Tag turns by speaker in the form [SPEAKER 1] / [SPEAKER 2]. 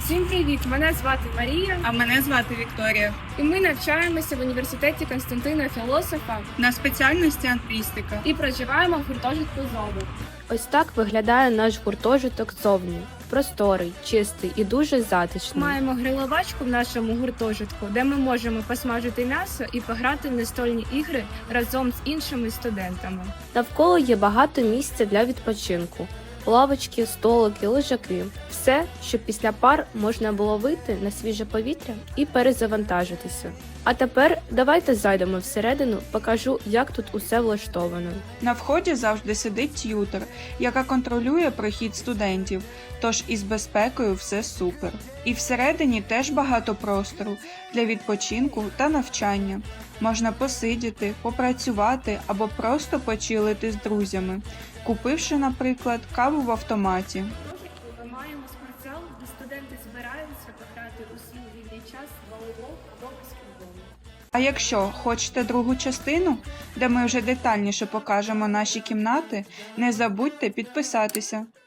[SPEAKER 1] Всім привіт! Мене звати Марія,
[SPEAKER 2] А мене звати Вікторія.
[SPEAKER 1] і ми навчаємося в університеті Константина Філософа
[SPEAKER 2] На спеціальності англійстика.
[SPEAKER 1] і проживаємо в гуртожитку «Зоби».
[SPEAKER 3] Ось так виглядає наш гуртожиток ззовні. Просторий, чистий і дуже затишний.
[SPEAKER 1] Маємо гриловачку в нашому гуртожитку, де ми можемо посмажити м'ясо і пограти в настольні ігри разом з іншими студентами.
[SPEAKER 3] Навколо є багато місця для відпочинку. Лавочки, столики, лежаки. Все, щоб після пар можна було вийти на свіже повітря і перезавантажитися. А тепер давайте зайдемо всередину, покажу, як тут усе влаштовано.
[SPEAKER 2] На вході завжди сидить т'ютор, яка контролює прохід студентів, тож із безпекою все супер. І всередині теж багато простору для відпочинку та навчання. Можна посидіти, попрацювати або просто почилити з друзями, купивши, наприклад, каву в автоматі.
[SPEAKER 1] Ми маємо спортзал, де студенти збираються пограти у свій вільний час в волейбол або баскетбол.
[SPEAKER 2] А якщо хочете другу частину, де ми вже детальніше покажемо наші кімнати, не забудьте підписатися.